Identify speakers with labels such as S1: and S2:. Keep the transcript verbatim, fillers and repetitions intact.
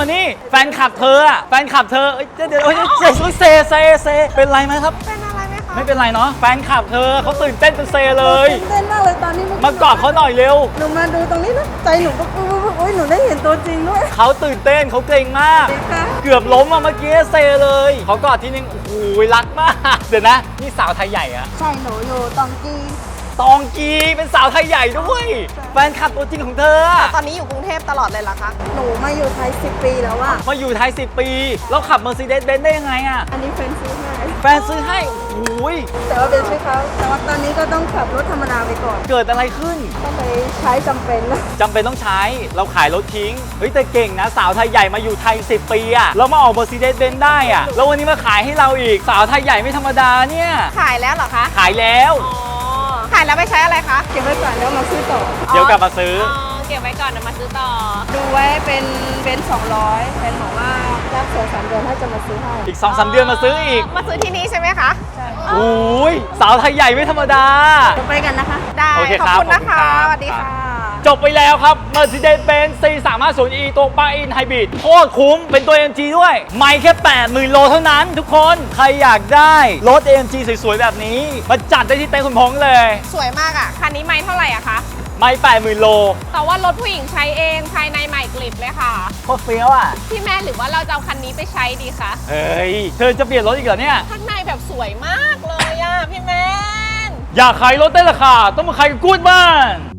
S1: นี่แฟนคลับเธออะแฟนคลับเธอเอ้ยเดี๋ยวเดี๋ยวเฮ้ยเซเซเซเซเป็นไรไหมครับ
S2: เป็นอะไรไหมคะ
S1: ไม่เป็นไรเนาะแฟนคลับเธอเขาตื่นเต้นเป็นเซเลย
S3: เต้นมากเลยตอนนี้
S1: มากอดเขาหน่อยเร็ว
S3: หนูมาดูตรงนี้นะใจหนูก็โอ้ยหนูได้เห็นตัวจริงด้วย
S1: เขาตื่นเต้นเขาเกรงมาก
S3: ค่ะ
S1: เกือบล้มอะเมื่อกี้เซเลยเขากอดทีนึงโอ้โหรักมากเดี๋ยวนะนี่สาวไทยใหญ่อะ
S3: ใช่หนูอยู่ตองกี
S1: ตองกีเป็นสาวไทยใหญ่ด้วยแฟนคลับตัวจริงของเธออะ
S2: ตอนนี้อยู่กรุงเทพตลอดเลยเหรอคะ
S3: หนูมาอยู่ไทยสิบปีแล้วอะ
S1: มาอยู่ไทยสิบปีแล้วขับ Mercedes-Benz ได้ยังไงอะ
S3: อันนี้แฟนซื้อให้
S1: แฟนซื้อให้โอ้โห
S3: แต่ว่าเป็นชื่อเขาแต่ว่าตอนนี้ก็ต้องขับรถธรรมดาไปก่อน
S1: เกิดอะไรขึ้น
S3: ก็เลยใช้จำเป็นแล้ว
S1: จำเป็นต้องใช้เราขายรถทิ้งเฮ้ยแต่เก่งนะสาวไทยใหญ่มาอยู่ไทยสิบปีอะแล้วมาออก Mercedes-Benz ได้อะแล้ววันนี้มาขายให้เราอีกสาวไทยใหญ่ไม่ธรรมดาเนี่ย
S2: ขายแล้วเหรอคะ
S1: ขายแล้ว
S2: อ๋อ ขายแล้วไปใช้อะไรคะ
S3: เก็บไว้ก่อนแล้วมาซื้อต่อ
S1: เดี๋ยวกลับมาซื้อ
S2: อ๋อ เก็บไว้ก่อนเดี๋ยวมาซื้อต่อ
S3: ดูไว้เป็นเป็นสองร้อยแฟนบอกว่ารับสองสามเดือนถ้าจะมาซื้อให้
S1: อีก สองสาม เดือนมาซื้ออีก
S2: มาซื้อที่นี่ใช่ไหมคะ
S3: ใช่
S1: โอ้ยสาวไทยใหญ่ไม่ธรรมดา
S3: เราไปกันนะคะ
S2: ได้
S1: โอเค
S2: ขอบ
S1: ครับ
S2: คุณนะคะ
S1: ขอบคุณครับ
S2: สวัสดีค่ะ
S1: จบไปแล้วครับ Mercedes-Benz ซี สามห้าศูนย์ อี ตัวปลั๊กอินไฮบริดโคตรคุ้มเป็นตัว เอ็ม จี ด้วย ไม่แค่ แปดหมื่น โลเท่านั้นทุกคน ใครอยากได้รถ เอ็ม จี สวยๆ แบบนี้ มาจัดได้ที่เต็นท์คุณพงษ์เลย
S2: สวยมากอ่ะ คันนี้ไม่เท่าไหร่อะคะ
S1: ไม่ แปดหมื่น โล
S2: แต่ว่ารถผู้หญิงใช้เองภายในใหม่กลิบเลยค่ะ
S1: โคตรเฟี้ยวอ่ะ
S2: พี่แม่หรือว่าเราจะเอาคันนี้ไปใช้ดีคะ
S1: เฮ้ย เธอจะเปลี่ยนรถอีกเหรอเนี่ย
S2: ข้างในแบบสวยมากเลยอะพี่แมน
S1: อยากขายรถได้ราคาต้องมาขายกับกู๊ดบ้าน